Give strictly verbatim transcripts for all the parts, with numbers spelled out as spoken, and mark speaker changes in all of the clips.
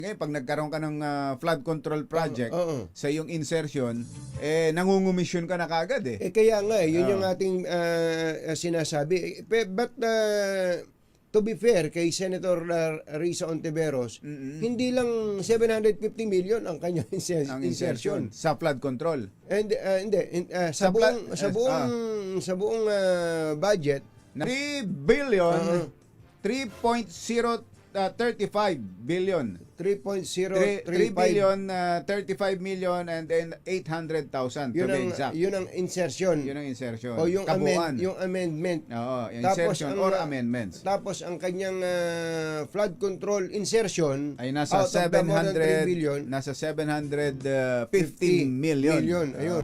Speaker 1: Ngayon, pag nagkaroon ka ng ah, flood control project
Speaker 2: Oo, oo.
Speaker 1: sa iyong insertion, eh, nangungumisyon ka na kagad eh.
Speaker 2: Eh kaya nga, eh, yun
Speaker 1: Oo.
Speaker 2: yung ating ah, ah, sinasabi. Eh, pe- But ah, to be fair kay Senator ah, Risa Ontiveros,
Speaker 1: Mm-mm.
Speaker 2: hindi lang seven hundred fifty million ang kanyang inser-
Speaker 1: Ang
Speaker 2: insertion.
Speaker 1: insertion sa flood control.
Speaker 2: And ah, hindi in- ah, sa,
Speaker 1: Sa pla-
Speaker 2: buong sa
Speaker 1: eh,
Speaker 2: buong sa buong ah, budget,
Speaker 1: three billion,
Speaker 2: Oo.
Speaker 1: three point zero thirty-five billion.
Speaker 2: three point zero
Speaker 1: three
Speaker 2: three five
Speaker 1: billion, uh, thirty-five million, and then eight hundred thousand to
Speaker 2: yun
Speaker 1: be
Speaker 2: ang
Speaker 1: exact.
Speaker 2: yun ang insertion.
Speaker 1: Yun ang insertion.
Speaker 2: O yung
Speaker 1: Kabuuan.
Speaker 2: amend, yung amendment.
Speaker 1: Oo, yung
Speaker 2: Tapos
Speaker 1: insertion
Speaker 2: ang,
Speaker 1: or
Speaker 2: ah,
Speaker 1: amendments.
Speaker 2: Tapos ang kanyang ah, flood control insertion
Speaker 1: Ay nasa
Speaker 2: out of the more than three billion,
Speaker 1: nasa seven hundred fifteen million.
Speaker 2: million. Ayun.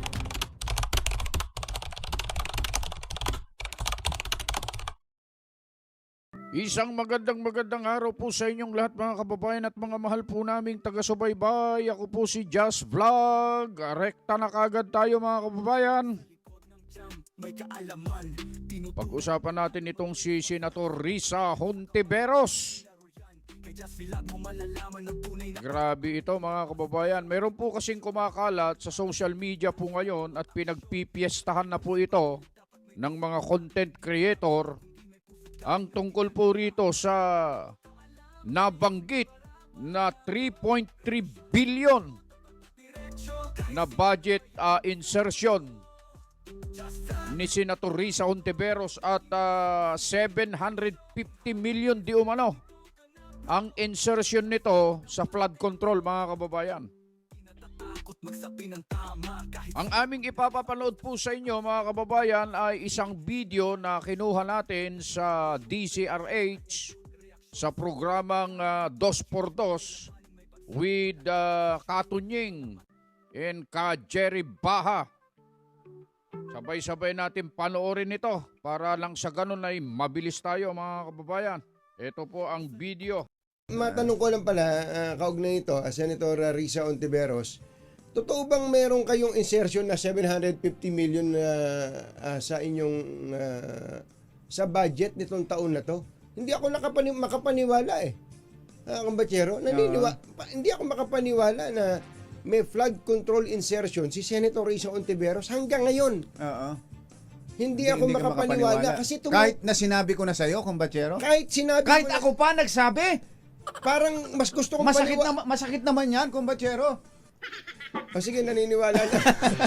Speaker 3: Isang magandang magandang araw po sa inyong lahat mga kababayan at mga mahal po naming taga-subaybay. Ako po si Just Vlog. Rekta na kagad tayo mga kababayan. Pag-usapan natin itong si Senator Risa Hontiveros. Grabe ito mga kababayan. Meron po kasing kumakalat sa social media po ngayon at pinagpipiestahan na po ito ng mga content creator ang tungkol po rito sa nabanggit na three point three billion na budget uh, insertion ni Senator Risa Hontiveros at uh, seven hundred fifty million di umano ang insertion nito sa flood control mga kababayan. Ang aming ipapapanood po sa inyo mga kababayan ay isang video na kinuha natin sa D C R H sa programang uh, Dos por Dos with uh, Katunying and Ka Jerry Baha. Sabay-sabay natin panoorin ito para lang sa ganun ay mabilis tayo mga kababayan. Ito po ang video.
Speaker 2: Matanong ko lang pala, uh, kaugnay ito, uh, Senator uh, Risa Ontiveros, totoo bang meron kayong insertion na seven hundred fifty million na uh, sa inyong uh, sa budget nitong taon na to? Hindi ako nakapani makapaniwala eh. Ah, Kambachero, naniniwa, pa, hindi ako makapaniwala na may flood control insertion si Senator Risa Ontiveros hanggang ngayon.
Speaker 1: Oo.
Speaker 2: Hindi, ako
Speaker 1: ka
Speaker 2: makapaniwala, kasi tumu-
Speaker 1: kahit na sinabi ko na sa iyo, kumbachero.
Speaker 2: kahit sinabi
Speaker 1: Kahit
Speaker 2: mo na-
Speaker 1: ako pa nagsabi.
Speaker 2: parang mas gusto kong
Speaker 1: Masakit
Speaker 2: paniwa-
Speaker 1: na masakit naman 'yan, kumbachero.
Speaker 2: O sige, naniniwala na.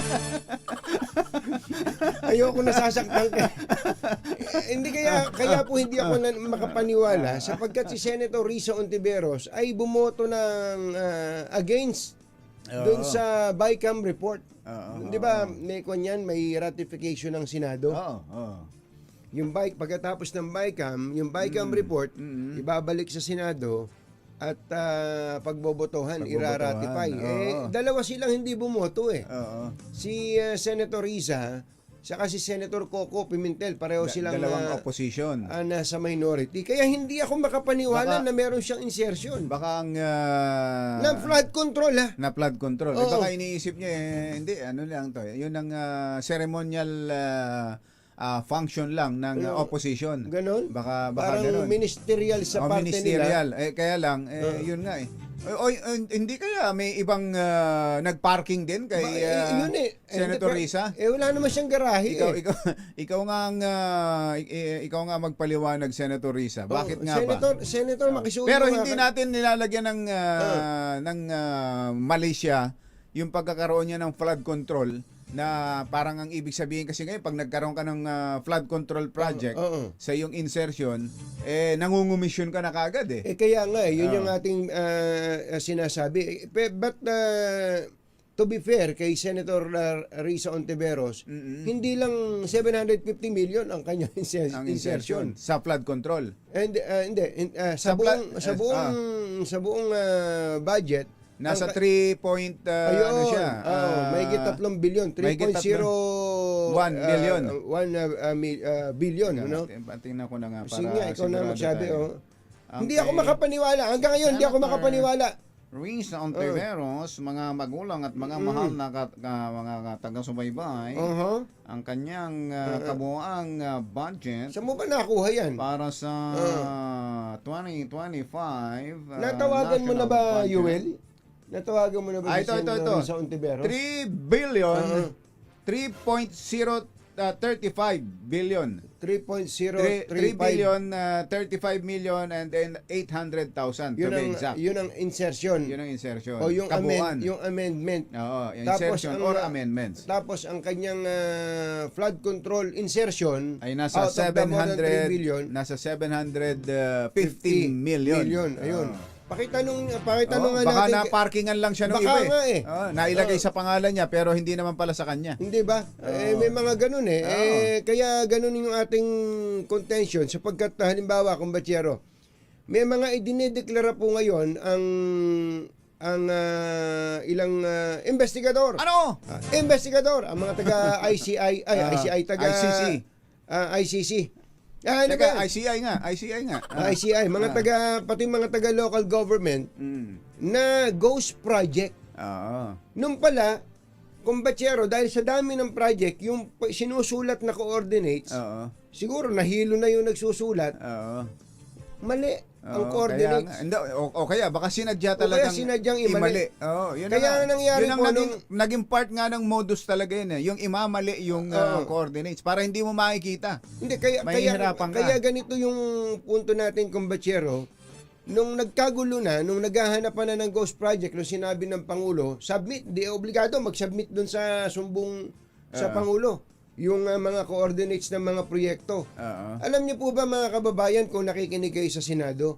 Speaker 2: Ayoko nasasaktan ka. Eh, hindi kaya, kaya po hindi ako na makapaniwala sapagkat si Senator Risa Ontiveros ay bumoto ng ah, against doon
Speaker 1: Oo.
Speaker 2: sa BICAM report.
Speaker 1: Oo,
Speaker 2: Di ba, may kanyan, may ratification ng Senado.
Speaker 1: Oo, oo.
Speaker 2: Yung bike, pagkatapos ng BICAM, yung BICAM report,
Speaker 1: mm.
Speaker 2: ibabalik sa Senado at ah, pagbobotohan,
Speaker 1: Pagbobotohan,
Speaker 2: iraratify.
Speaker 1: oo.
Speaker 2: Eh, dalawa silang hindi bumoto eh.
Speaker 1: Oo.
Speaker 2: Si ah, Senator Risa, saka si Senator Coco Pimentel, pareho
Speaker 1: Da-
Speaker 2: silang
Speaker 1: dalawang
Speaker 2: ah,
Speaker 1: opposition.
Speaker 2: ah, nasa minority. Kaya hindi ako makapaniwala
Speaker 1: Baka-
Speaker 2: na meron siyang insertion.
Speaker 1: Baka ang ah,
Speaker 2: na flood control ha.
Speaker 1: na flood control. Eh,
Speaker 2: Oo.
Speaker 1: baka iniisip niya eh, hindi ano lang to. eh. Yun ang ah, ceremonial ah, ah, function lang ng ah,
Speaker 2: Oo.
Speaker 1: opposition.
Speaker 2: Ganon?
Speaker 1: Baka baka
Speaker 2: Parang
Speaker 1: ganon.
Speaker 2: ministerial sa
Speaker 1: O,
Speaker 2: parte nila.
Speaker 1: ministerial. Eh, kaya lang, eh,
Speaker 2: Oo.
Speaker 1: yun nga eh. O, o, o, hindi kaya may ibang ah, nag-parking din kay
Speaker 2: Ba- eh,
Speaker 1: ah,
Speaker 2: yun eh.
Speaker 1: Senator
Speaker 2: Eh,
Speaker 1: Risa?
Speaker 2: Eh, wala naman siyang garahe
Speaker 1: Ikaw,
Speaker 2: eh.
Speaker 1: ikaw, ikaw nga ang, ah, i- i- ikaw nga magpaliwanag, Senator Risa. Bakit
Speaker 2: Oh,
Speaker 1: nga
Speaker 2: Senator,
Speaker 1: ba?
Speaker 2: Senator, makisuyo
Speaker 1: Pero
Speaker 2: nga
Speaker 1: hindi
Speaker 2: ka-
Speaker 1: natin nilalagyan ng ah, ng ah, Malaysia yung pagkakaroon niya ng flood control na parang ang ibig sabihin kasi ngayon pag nagkaroon ka ng ah, flood control project
Speaker 2: Oo.
Speaker 1: sa iyong insertion, eh nangungumisyon ka na kagad eh.
Speaker 2: Eh kaya nga, eh, yun
Speaker 1: Oo.
Speaker 2: yung ating ah, sinasabi. Eh, pe- But ah, to be fair kay Senator ah, Risa Ontiveros,
Speaker 1: Mm-mm.
Speaker 2: hindi lang seven hundred fifty million ang kanyang inser-
Speaker 1: Ang
Speaker 2: insertion.
Speaker 1: insertion sa flood control.
Speaker 2: And ah, hindi in- ah, sa,
Speaker 1: Sa pla-
Speaker 2: buong sa
Speaker 1: eh,
Speaker 2: buong sa buong ah, budget
Speaker 1: Nasa
Speaker 2: ang-
Speaker 1: three point uh,
Speaker 2: ayun,
Speaker 1: ano siya?
Speaker 2: oh,
Speaker 1: ah,
Speaker 2: mahigit tatlong bilyon, three
Speaker 1: mahigit
Speaker 2: point zero
Speaker 1: one billion.
Speaker 2: one billion,
Speaker 1: Tingnan
Speaker 2: ano?
Speaker 1: natin, Tingnan ko na nga para
Speaker 2: Sige nga, ikaw na
Speaker 1: sigurado
Speaker 2: magsabi,
Speaker 1: tayo.
Speaker 2: oh.
Speaker 1: Ang
Speaker 2: Hindi
Speaker 1: kay-
Speaker 2: ako makapaniwala. Hanggang ngayon, hindi ako
Speaker 1: Senator-
Speaker 2: makapaniwala.
Speaker 1: Risa Ontiveros, mga magulang at mga
Speaker 2: Mm.
Speaker 1: mahal na kat- ka- mga taga-subaybay,
Speaker 2: Uh-huh.
Speaker 1: ang kanyang uh, kabuang uh, budget
Speaker 2: Saan mo ba nakuha yan?
Speaker 1: para sa twenty twenty-five uh,
Speaker 2: Natawagan mo na
Speaker 1: national
Speaker 2: ba,
Speaker 1: budget.
Speaker 2: Yuel? Natawagan mo na ba
Speaker 1: Ah,
Speaker 2: si
Speaker 1: ito, ito,
Speaker 2: Senator
Speaker 1: ito.
Speaker 2: Risa Ontiveros?
Speaker 1: three billion,
Speaker 2: Uh-huh.
Speaker 1: three point zero thirty-five billion.
Speaker 2: three point zero
Speaker 1: three
Speaker 2: three five.
Speaker 1: billion, uh, thirty-five million, and then eight hundred thousand to
Speaker 2: Yun
Speaker 1: be
Speaker 2: ang,
Speaker 1: exact.
Speaker 2: yun ang insertion.
Speaker 1: Yun ang insertion.
Speaker 2: O yung,
Speaker 1: Kabuuan.
Speaker 2: amend, yung amendment.
Speaker 1: Oo, yung
Speaker 2: Tapos
Speaker 1: insertion
Speaker 2: ang,
Speaker 1: or
Speaker 2: uh,
Speaker 1: amendments.
Speaker 2: Tapos ang kanyang ah, flood control insertion
Speaker 1: Ay nasa
Speaker 2: out of the more than three billion,
Speaker 1: seven hundred, nasa seven hundred fifteen million.
Speaker 2: million. Ayun.
Speaker 1: Oo.
Speaker 2: Pakitanong, pakitanong
Speaker 1: Oo,
Speaker 2: nga
Speaker 1: baka
Speaker 2: natin.
Speaker 1: na parkingan lang siya ng
Speaker 2: Baka
Speaker 1: iba eh.
Speaker 2: nga eh.
Speaker 1: Oo, nailagay
Speaker 2: Oo.
Speaker 1: sa pangalan niya pero hindi naman pala sa kanya.
Speaker 2: Hindi ba? Eh, may mga ganun eh.
Speaker 1: Oo.
Speaker 2: eh. Kaya ganun yung ating contention sapagkat halimbawa, kumbatsero, may mga idinedeklara po ngayon ang ang ah, ilang ah, investigador.
Speaker 1: Ano?
Speaker 2: Ah, investigador, ang mga taga I C I, ay,
Speaker 1: Ah,
Speaker 2: I C I, taga
Speaker 1: I C C.
Speaker 2: ah, I C C. Ah, ano
Speaker 1: Teka,
Speaker 2: ba?
Speaker 1: I C I nga, I C I nga.
Speaker 2: Ah, I C I, mga
Speaker 1: Ah.
Speaker 2: taga, pati mga taga local government
Speaker 1: Mm.
Speaker 2: na ghost project.
Speaker 1: Oo.
Speaker 2: Nung pala, kumbatsero, dahil sa dami ng project, yung pa- sinusulat na coordinates,
Speaker 1: Oo.
Speaker 2: siguro nahilo na yung nagsusulat,
Speaker 1: Oo.
Speaker 2: mali ang
Speaker 1: Oo,
Speaker 2: coordinates.
Speaker 1: Kaya, nga- hindi, o, o kaya baka sinadya
Speaker 2: O kaya
Speaker 1: talagang
Speaker 2: sinadyang imali.
Speaker 1: Oo, yun
Speaker 2: Kaya
Speaker 1: na nga.
Speaker 2: nangyari
Speaker 1: yun ang
Speaker 2: po
Speaker 1: naging,
Speaker 2: nung-
Speaker 1: naging part nga ng modus talaga yun eh. Yung imamali yung uh,
Speaker 2: Oo.
Speaker 1: coordinates para hindi mo makikita.
Speaker 2: Hindi, kaya, kaya,
Speaker 1: Mahihirapan ka.
Speaker 2: kaya ganito yung punto natin, kumbatsero, nung nagkagulo na, nung naghahanapan na ng ghost project, nung sinabi ng Pangulo, submit, di obligado mag-submit dun sa sumbong sa
Speaker 1: Oo.
Speaker 2: Pangulo, yung uh, mga coordinates ng mga proyekto.
Speaker 1: Oo.
Speaker 2: Alam niyo po ba mga kababayan kung nakikinig kayo sa Senado?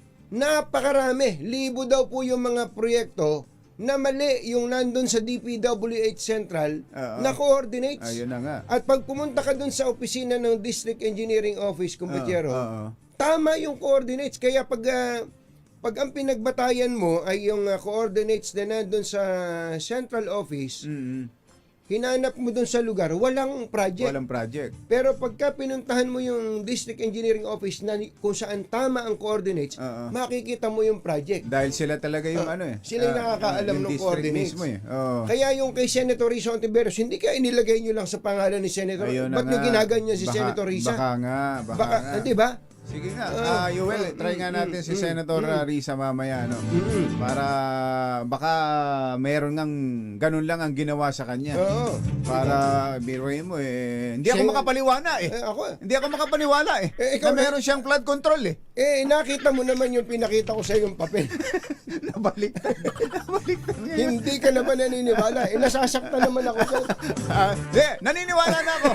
Speaker 2: Napakarami, libo daw po yung mga proyekto na mali yung nandun sa D P W H Central
Speaker 1: Oo.
Speaker 2: na coordinates.
Speaker 1: Ayun na nga.
Speaker 2: At pag pumunta ka dun sa opisina ng District Engineering Office, Kumbatsero,
Speaker 1: Oo, oo.
Speaker 2: tama yung coordinates. Kaya pag, ah, pag ang pinagbatayan mo ay yung ah, coordinates na nandun sa Central Office,
Speaker 1: Mm-mm.
Speaker 2: hinanap mo dun sa lugar, walang project.
Speaker 1: Walang project.
Speaker 2: Pero pagka pinuntahan mo yung District Engineering Office na kung saan tama ang coordinates,
Speaker 1: Oo.
Speaker 2: makikita mo yung project.
Speaker 1: Dahil sila talaga yung
Speaker 2: Ah,
Speaker 1: ano eh.
Speaker 2: sila yung
Speaker 1: ah,
Speaker 2: nakakaalam
Speaker 1: yung
Speaker 2: ng
Speaker 1: district
Speaker 2: coordinates.
Speaker 1: mismo eh. Oo.
Speaker 2: Kaya yung kay Senator Risa Ontiveros, hindi kaya inilagay nyo lang sa pangalan ni Senator.
Speaker 1: Ayun na
Speaker 2: Ba't nyo
Speaker 1: nga.
Speaker 2: ginaganyan si
Speaker 1: Baka-
Speaker 2: Senator Risa?
Speaker 1: Baka nga, baka,
Speaker 2: Baka,
Speaker 1: nga.
Speaker 2: hindi ba?
Speaker 1: Sige nga,
Speaker 2: Ah,
Speaker 1: ah, Yuel,
Speaker 2: mm,
Speaker 1: try nga
Speaker 2: mm,
Speaker 1: natin si
Speaker 2: mm,
Speaker 1: Senator
Speaker 2: mm.
Speaker 1: uh, Risa mamaya, no?
Speaker 2: Mm.
Speaker 1: Para baka meron ngang ganun lang ang ginawa sa kanya.
Speaker 2: Oo.
Speaker 1: Para biruin mo eh. Hindi ako
Speaker 2: Siya-
Speaker 1: makapaniwala eh.
Speaker 2: Eh, ako,
Speaker 1: Hindi ako makapaniwala eh.
Speaker 2: Eh, ikaw
Speaker 1: na
Speaker 2: na-
Speaker 1: meron siyang flood control eh.
Speaker 2: eh, nakita mo naman yung pinakita ko sa yung papel.
Speaker 1: Nabalik. Nabalik na ngayon.
Speaker 2: Hindi ka naman naniniwala. Eh, nasasaktan naman ako sa...
Speaker 1: Ah, Hindi, naniniwala na ako.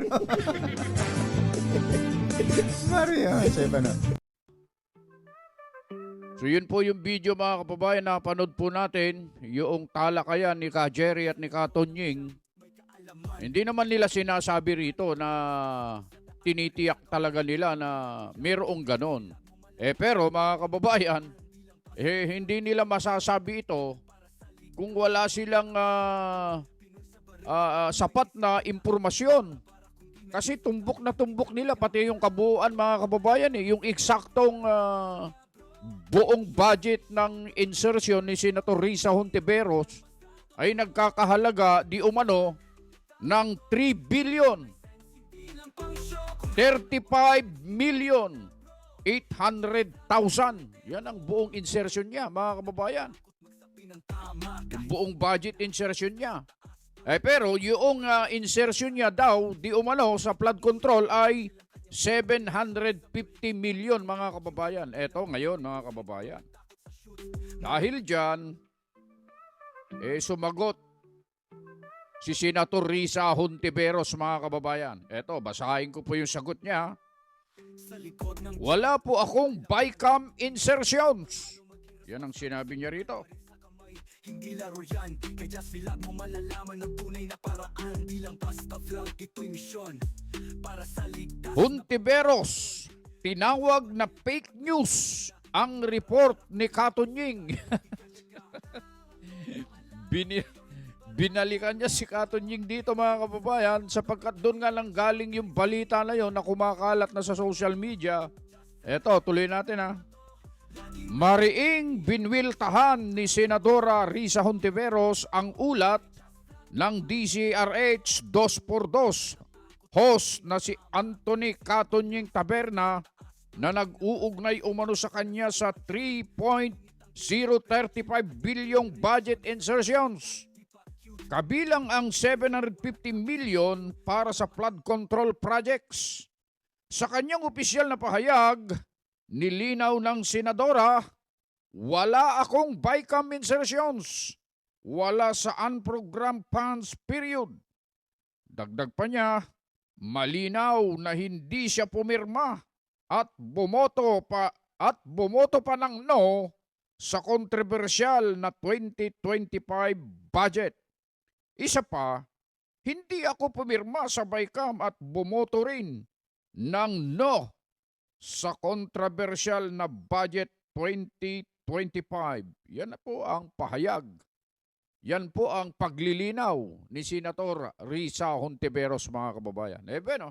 Speaker 1: Mario, sa iba na.
Speaker 3: So yun po yung video mga kababayan na panood po natin, yung talakayan ni Ka Jerry at ni Ka Tonying. Hindi naman nila sinasabi rito na tinitiyak talaga nila na mayroong ganon. Eh pero mga kababayan, eh hindi nila masasabi ito kung wala silang ah, ah, ah, sapat na impormasyon. Kasi tumbok na tumbok nila pati yung kabuuan mga kababayan eh, yung eksaktong ah, buong budget ng insertion ni Senator Risa Hontiveros ay nagkakahalaga di umano ng three billion thirty-five million eight hundred thousand. Yan ang buong insertion niya mga kababayan. Yung buong budget insertion niya. Eh pero yung uh, insertion niya daw di umano sa flood control ay seven hundred fifty million mga kababayan. Eto ngayon mga kababayan. Dahil dyan, eh sumagot si Senator Risa Hontiveros mga kababayan. Eto, basahin ko po yung sagot niya. Wala po akong bycam insertions. Yan ang sinabi niya rito.
Speaker 4: Hindi laro yan, kaya sila mo malalaman ng tunay na paraan. Di lang basta vlog, ito'y misyon para sa ligtas.
Speaker 3: Hontiveros, tinawag na fake news ang report ni Katonying. Bini binalikan niya si Katonying dito mga kababayan sapagkat doon nga lang galing yung balita na yon na kumakalat na sa social media. Eto, tuloy natin ha. Mariing binwiltahan ni Senadora Risa Hontiveros ang ulat ng D C R H two por dos host na si Anthony Catonying Taberna na nag-uugnay umano sa kanya sa three point zero three five bilyong budget insertions. Kabilang ang seven hundred fifty million para sa flood control projects. Sa kanyang opisyal na pahayag, nilinaw ng senadora, wala akong BICAM insertions. Wala sa unprogrammed funds period. Dagdag pa niya, malinaw na hindi siya pumirma at bumoto pa at bumoto pa ng no sa kontrobersyal na twenty twenty-five budget. Isa pa, hindi ako pumirma sa BICAM at bumoto rin ng no sa kontrobersyal na budget twenty twenty-five. Yan na po ang pahayag. Yan po ang paglilinaw ni Senator Risa Hontiveros, mga kababayan. Eh, no?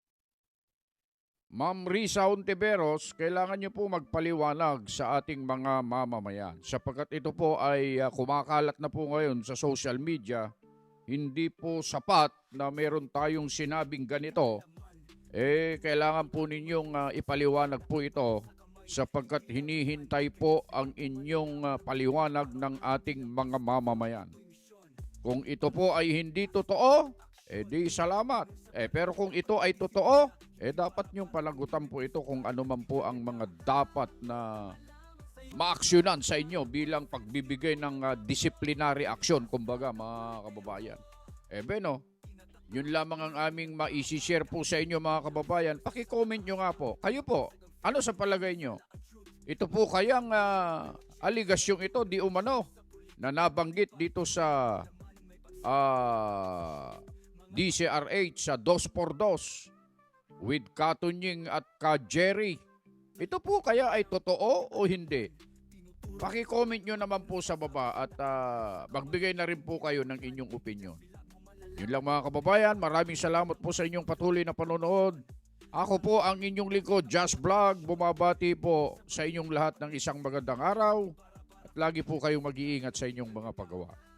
Speaker 3: Ma'am Risa Hontiveros, kailangan niyo po magpaliwanag sa ating mga mamamayan. Sapagkat ito po ay uh, kumakalat na po ngayon sa social media, hindi po sapat na meron tayong sinabing ganito. Eh, kailangan po ninyong uh, ipaliwanag po ito sapagkat hinihintay po ang inyong uh, paliwanag ng ating mga mamamayan. Kung ito po ay hindi totoo, eh di salamat. Eh, pero kung ito ay totoo, eh dapat niyong palagutan po ito kung ano man po ang mga dapat na maaksyonan sa inyo bilang pagbibigay ng uh, disciplinary action, kumbaga, mga kababayan. Eh, beno, yun lamang ang aming ma-share po sa inyo, mga kababayan. Paki-comment nyo nga po. Kayo po, ano sa palagay nyo? Ito po kayang uh, aligasyong ito, di umano, na nabanggit dito sa uh, D C R H sa two por dos with Catonying at ka Jerry. Ito po kaya ay totoo o hindi? Paki-comment nyo naman po sa baba at uh, magbigay na rin po kayo ng inyong opinion. Yun lang, mga kababayan, maraming salamat po sa inyong patuloy na panonood. Ako po ang inyong lingkod, Just Vlog. Bumabati po sa inyong lahat ng isang magandang araw at lagi po kayong mag-iingat sa inyong mga paggawa.